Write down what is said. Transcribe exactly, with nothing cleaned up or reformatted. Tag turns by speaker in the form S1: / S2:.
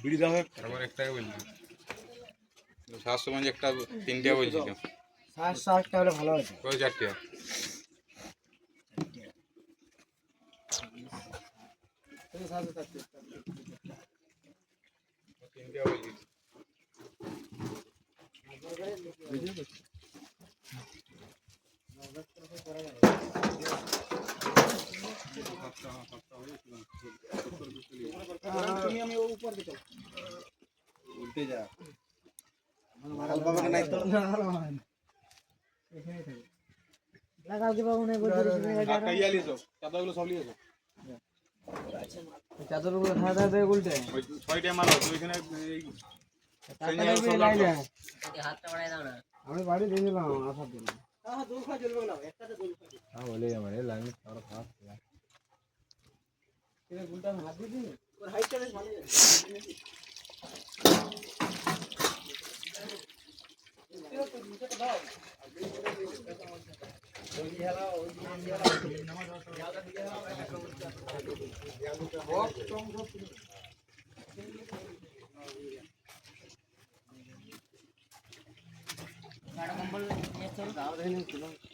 S1: বিড়ি দাও একটা
S2: তারপর একটাই বলছি সাতশো মানে একটা তিনটা বলছিল
S3: সাতশো আটটা হলে ভালো হতো।
S2: ওই চারটে তিনটা বলছি
S3: তুমি আমি ও উপর দিতে
S1: উল্টে যা
S3: মারাল বাবাকে নাই তো এখানেই থাকে লাগাও কি বাবু নাই বলতে
S1: আর কাইয়া লিছো চাদরগুলো সব লিয়েছো
S3: চাদরগুলো ধার ধার দিয়ে উল্টে
S1: ওই ছয়টা মাল আছে ওইখানে এই
S4: হাতটা বাড়াই দাও না।
S3: আমি বাড়ি দিয়ে দিলাম আসার দিন হ্যাঁ দোল খা জ্বলবে না একটাতে দোল খা হ্যাঁ বলে আমার এই লাইন আর খারাপ এটা গুলটা হাত দিয়ে দিন ওর হাইটটা বেশ ভালো
S4: গাড়া কম্বল নিয়ে চল।